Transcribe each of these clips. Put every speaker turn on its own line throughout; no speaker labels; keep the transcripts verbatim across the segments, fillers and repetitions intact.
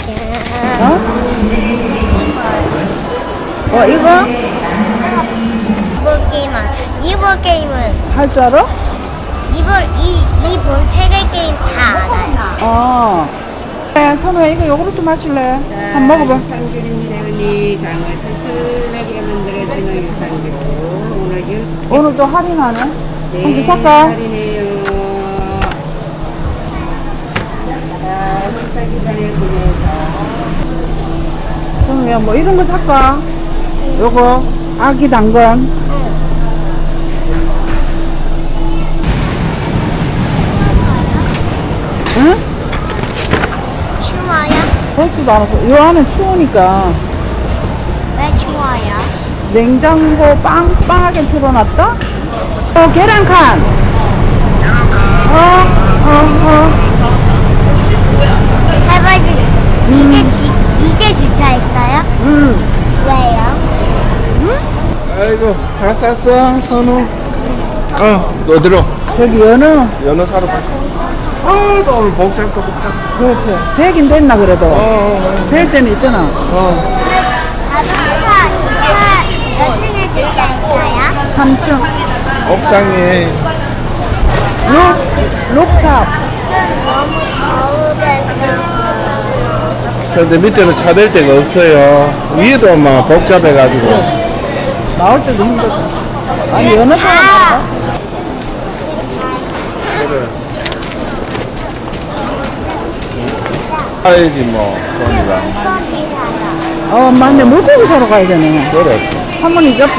어? 어, 이거?
이번 게임은 이번 게임은
할 줄 알아?
이번 이이본 세계 게임 다 알아요.
어. 네, 선우야, 이거 요구르트 마실래? 한번 먹어봐.
유산균입니다. 언니 장을 튼튼하게 만들어주는 유산균. 오늘 유
오늘도 할인하네?
네,
한 개 살까?
할인해요. 자, 식사기 전에 구매해서.
선우야, 뭐 이런 거 살까? 요거, 아기 당근. 응?
추워요?
버스도 안 왔어. 요 안에 추우니까
왜 추워요?
냉장고 빵빵하게 틀어놨다? 어, 계란칸! 어, 어, 어.
할아버지 이제 지, 이제 주차했어요?
음.
왜요?
아이고 다 쌌어 선우. 어 어디로?
저기 연어.
연어 사러 가자. 아 오늘 복잡도 복잡.
그렇지. 되긴 됐나, 그래도.
어,
될 때는 있잖아.
어.
자동차 몇 층에 주차했어요?
삼 층.
옥상에
록, 록탑.
지금 너무 더우겠죠.
그런데 밑에는 차 댈 데가 없어요. 위에도 막 복잡해가지고.
나올 때도 힘들고. 아니, 연어 사러
다
갈까?
그래. 가야지 뭐 선우가.
물고기 사러.
어, 맞네. 물고기 사러 가야 되네.
그래.
할머니 옆에.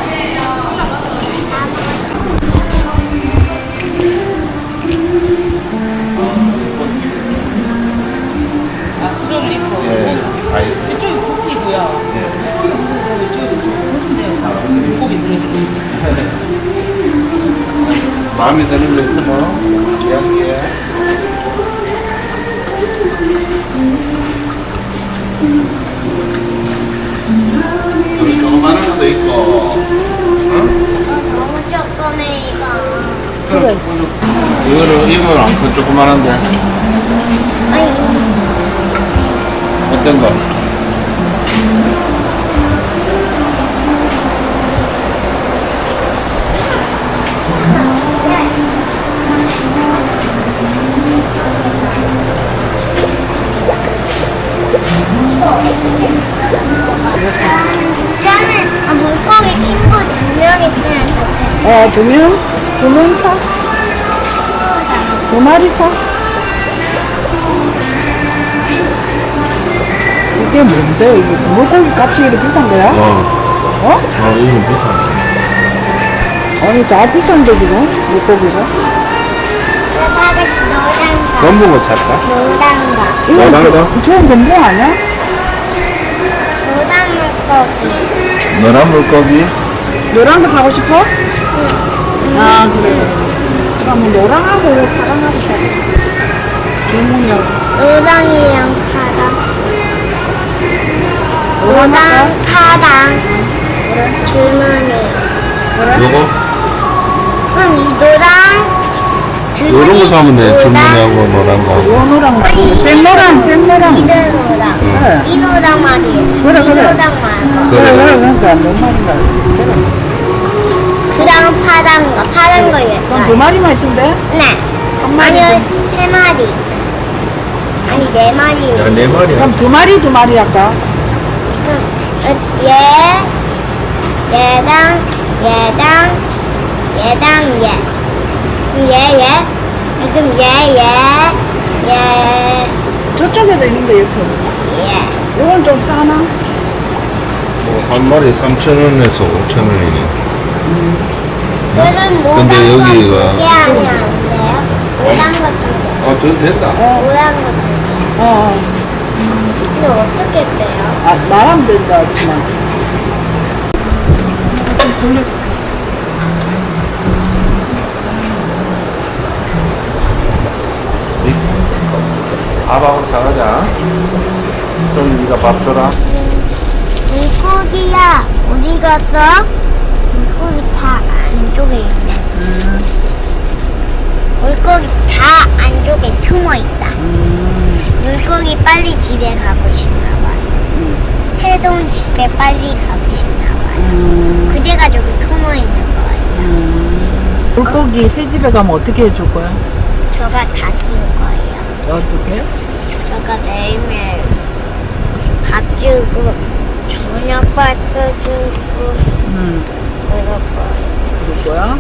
아, 수저를 입고.
예. 다 있어.
이쪽이 고기고요.
예.
이쪽이 보시면 돼요. 고기 들어있습니다.
마음에 드는 거 있으면 이야기해. 여기 조그마한 것도 있고. 어?
너무 조그매 이거.
그래.
이거는 이건 안큰 조그만한데
아니
어떤 거?
나는 아, 물고기 친구 두 명이 있으면 좋겠어.
어, 두 명? 두 명 사? 두 마리 사? 이게 뭔데? 이게 물고기 값이 이렇게 비싼 거야?
어,
어?
어 이건 비싸네.
아니, 다 비싼데, 지금? 물고기가?
나가서 노란가.
건붕어 살까?
노란가.
이거
노란 거?
그- 좋은 건봉 아니야?
노란 물고기.
노란 물고기?
노란 거 사고 싶어? 아, 그래. 그럼 노랑하고 파랑하고 사. 주문력.
노랑이랑 파랑.
노랑 할까?
노랑, 파랑. 주머니.
요거?
그럼 이 노랑 주머니.
요런 거 사면 돼.
노랑,
주문하고 노란 거.
요 노랑 말고.
아니,
센 노랑, 센 노랑.
이 노랑.
그래.
이 노랑 말이에요.
그래,
이
그래.
노랑 말고.
그래,
그래.
그래, 그러니까. 뭔 말인가. 그래.
그 다음 파란 거. 파란 거
그럼 두
예뻐요.
마리만 있으면 돼?
네.
한 마리.
아니요, 세 마리. 아니, 네 마리.
야, 네 마리야.
그럼 두 마리, 두 마리 할까?
지금, 어, 얘, 얘랑, 얘랑, 얘랑, 얘. 그럼 얘, 얘. 그럼 얘, 얘, 얘,
저쪽에도 있는데, 옆에.
얘.
이건 좀 싸나?
뭐, 한 마리 삼천 원에서 오천 원이네.
그럼 노란
근데 여기가
거 두 개 하면 안 돼요? 노란 거 두 개.
어, 더 됐다.
노란 거 두 개.
어, 어.
근데 어떻게 빼요?
아, 말하면 된다, 그만. 좀 돌려주세요.
밥하고 사가자. 좀 네가 밥 줘라.
물고기야, 어디 갔어? 물고기 다 안쪽에 있네.
음.
물고기 다 안쪽에 숨어 있다. 물고기 물고기 빨리 집에 가고 싶나 봐요.
음.
새동 집에 빨리 가고 싶나 봐요.
음.
그래가지고 숨어 있는 거예요.
음.
물고기 새 집에 가면 어떻게 해줄 거야?
저가 다 키울 거예요.
어떻게?
저가 매일매일 밥 주고 저녁밥 써주고
음,
그럴 거예요.
그럴 거야?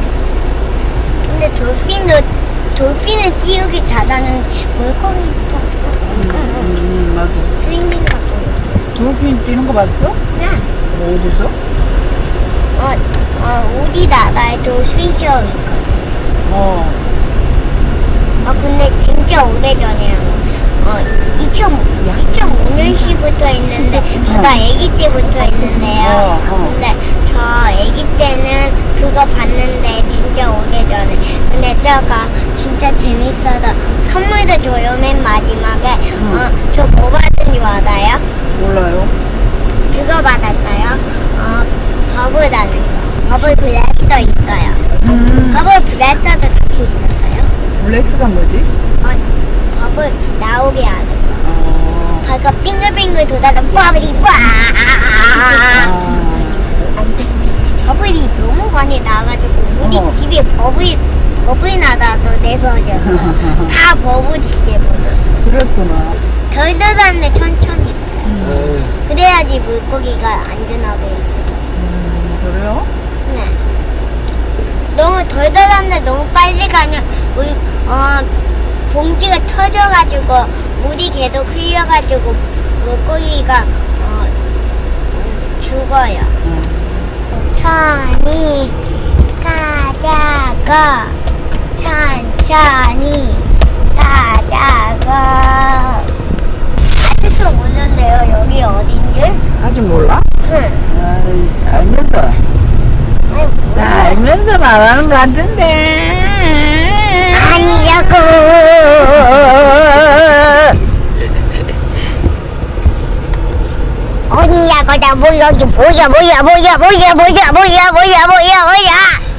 근데 돌핀도 돌핀은 띄우기 잘하는 물고기
음,
조금
음, 맞아.
스위밍 같은
돌핀 뛰는 거 봤어?
거.
어디서?
어, 어, 우리나라에 돌핀쇼 있거든.
어.
어, 근데 진짜 오래전에 어, 이천오 년시부터 있는데 제가 아기 때부터 있는데요.
어, 어.
근데 저 아기 때는 그거 봤는데 진짜 오래전에. 근데 저가 진짜 재밌어서 선물도 줘요. 맨 마지막에. 어, 저 뭐 받은 줄 알아요?
몰라요.
그거 받았어요. 어, 버블 하는 거. 버블 블래스터 있어요.
음,
버블 블래스터도 같이 있었어요.
블레스가 뭐지?
어, 버블 나오게 하는 거.
어.
발가 빙글빙글 돌아서 버블이 빠.
아.
버블이 너무 많이 나와가지고 우리
어.
집에 버블 버블 나다도 내버려. 다 버블 집에 버려.
그랬구나.
덜 들었는데 천천히.
에이,
그래야지 물고기가 안전하게 있어요.
음, 그래요?
네. 너무 덜 들었는데 너무 빨리 가면 물, 어, 봉지가 터져가지고 물이 계속 흘려가지고 물고기가 어, 음, 죽어요.
음.
천천히 가자고 천천히 가자고 아직도 모르는데요 여기 어딘 줄?
아직 몰라?
응.
아이, 알면서.
아니,
나
몰라.
알면서 말하는 거 같은데.
아니라고 아니라고 나 뭐야 뭐야 뭐야 뭐야 뭐야 뭐야 뭐야 뭐야 뭐야 뭐야 뭐야